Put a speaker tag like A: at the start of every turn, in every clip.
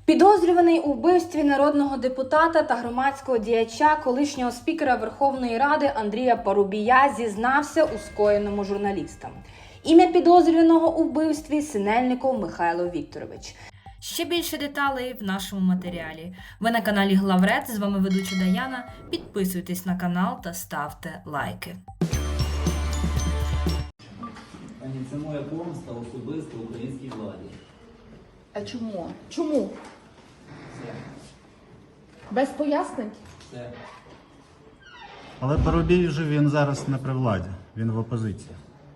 A: Підозрюваний у вбивстві народного депутата та громадського діяча, колишнього спікера Верховної Ради Андрія Парубія зізнався у скоєному журналістам. Ім'я підозрюваного у вбивстві – Синельников Михайло Вікторович. Ще більше деталей в нашому матеріалі. Ви на каналі Главред, з вами ведуча Даяна. Підписуйтесь на канал та ставте лайки.
B: Ані, це моя помста особисто українській владі.
C: А чому? Чому?
B: Все.
C: Без пояснень?
B: Все.
D: Але Парубій вже він зараз не при владі, він в опозиції.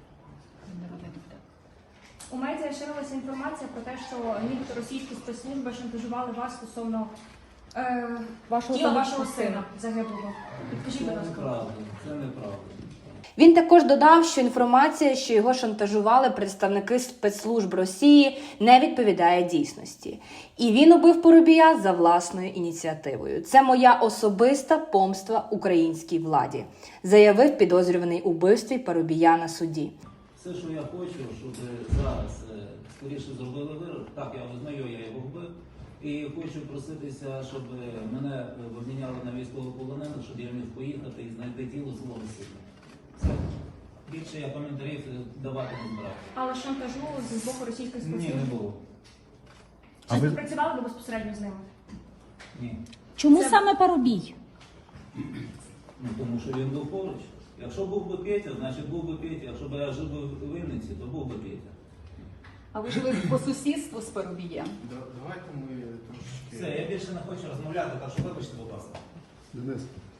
E: У медіа ширилася інформація про те, що нібито російські спецслужби шантажували вас стосовно тіла вашого сина загиблого. Підкажіть,
B: Це
E: будь ласка.
B: неправда. Це неправда.
A: Він також додав, що інформація, що його шантажували представники спецслужб Росії, не відповідає дійсності. І він убив Парубія за власною ініціативою. Це моя особиста помста українській владі, заявив підозрюваний у вбивстві Парубія на суді.
B: Все, що я хочу, щоб зараз скоріше зробили вирок. Так, я визнаю, я його вбив. І хочу проситися, щоб мене обміняли на військовополонених, щоб я міг поїхати і знайти тіло свого сина. Все. Більше я коментарів давати не збираю.
E: Але шантажу з боку російських
B: Ні,
E: спецслужб.
B: не було.
D: А
E: Чи
D: ви-
E: співпрацювали ви безпосередньо з ними?
B: Ні.
C: Чому
E: Це-
C: саме Парубій?
B: Ну, тому що він був поруч. Якщо був би Петя, значить був би Петя. Якщо б я жив би в Вінниці, то був би Петя.
F: А ви жили по сусідству з Парубієм?
G: Давайте ми трошки.
B: Все, я більше не хочу розмовляти, так що вибачте, будь ласка.
G: Денис,